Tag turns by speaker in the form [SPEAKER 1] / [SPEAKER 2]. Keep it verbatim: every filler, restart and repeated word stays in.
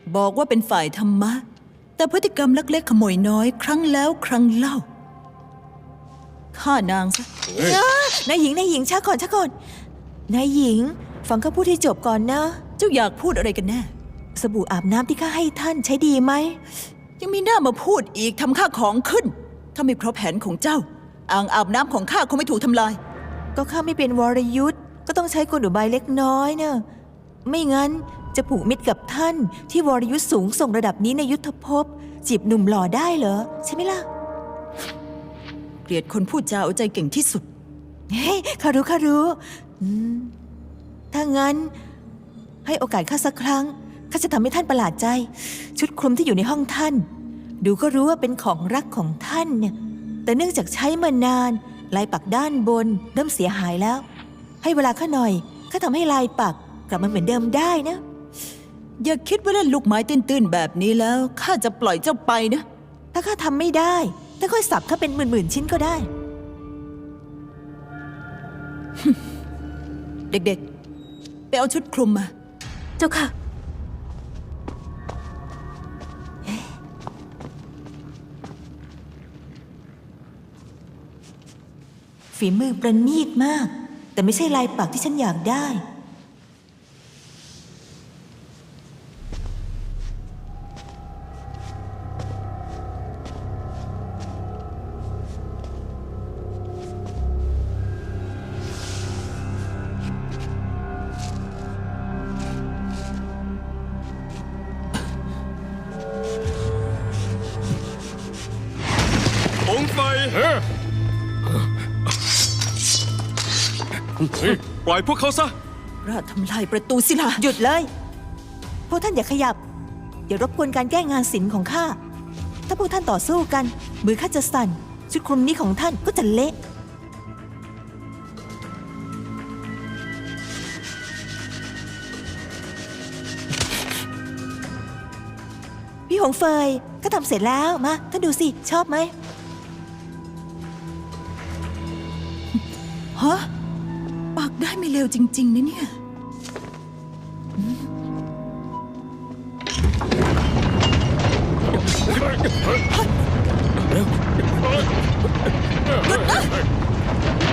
[SPEAKER 1] บอกว่าเป็นฝ่ายธรรมะแต่พฤติกรรมลักเล็กขโมยน้อยครั้งแล้วครั้งเล่าฆ่านางซะ
[SPEAKER 2] นายหญิงนายหญิงช้าก่อนช้าก่อนนายหญิงฟังข้าพูดให้จบก่อนนะ
[SPEAKER 1] เจ้าอยากพูดอะไรกันแน่
[SPEAKER 2] สบู่อาบน้ำที่ข้าให้ท่านใช้ดีไหม
[SPEAKER 1] ยังมีหน้ามาพูดอีกทำข้าของขึ้นถ้าไม่เพราะแผนของเจ้าอ่างอาบน้ำของข้าคงไม่ถูกทำลาย
[SPEAKER 2] ก็ข้าไม่เป็นวรยุทธ์ก็ต้องใช้กลอุบายเล็กน้อยเนอะไม่งั้นจะผูกมิตรกับท่านที่วรยุทธ์สูงส่งระดับนี้ในยุทธภพจีบหนุ่มหล่อได้เหรอใช่ไหมล่ะ
[SPEAKER 1] เกลียดคนพูดจาเอาใจเก่งที่สุด
[SPEAKER 2] เฮ้ยข้ารู้ข้ารู้ถ้างั้นให้โอกาสข้าสักครั้งข้าจะทำให้ท่านประหลาดใจชุดคลุมที่อยู่ในห้องท่านดูก็รู้ว่าเป็นของรักของท่านเนี่ยแต่เนื่องจากใช้มานานลายปักด้านบนเริ่มเสียหายแล้วให้เวลาข้าหน่อยข้าทำให้ลายปักกลับมาเหมือนเดิมได้นะ
[SPEAKER 1] อย่าคิดว่าเล่นลูกไม้ตื้นๆแบบนี้แล้วข้าจะปล่อยเจ้าไปนะ
[SPEAKER 2] ถ้าข้าทำไม่ได้ถ้าค่อยสับข้าเป็นหมื่นๆชิ้นก็ได้
[SPEAKER 1] เด็กๆไปเอาชุดคลุมมา
[SPEAKER 2] เจ้าค่ะฝีมือประณีตมากแต่ไม่ใช่ลายปักที่ฉันอยากได้
[SPEAKER 3] องไฟปล่อยพวกเขาซะ
[SPEAKER 1] ราดทำลายประตูศิลา
[SPEAKER 2] หยุดเลยพวกท่านอย่าขยับอย่ารบกวนการแก้งานศิลป์ของข้าถ้าพวกท่านต่อสู้กันมือข้าจะสั่นชุดคลุมนี้ของท่านก็จะเละพี่หงเฟยก็ทำเสร็จแล้วมาท่านดูสิชอบไหม
[SPEAKER 1] ฮะปักได้ไม่เร็วจริงๆนะเนี่ยหยุดนะ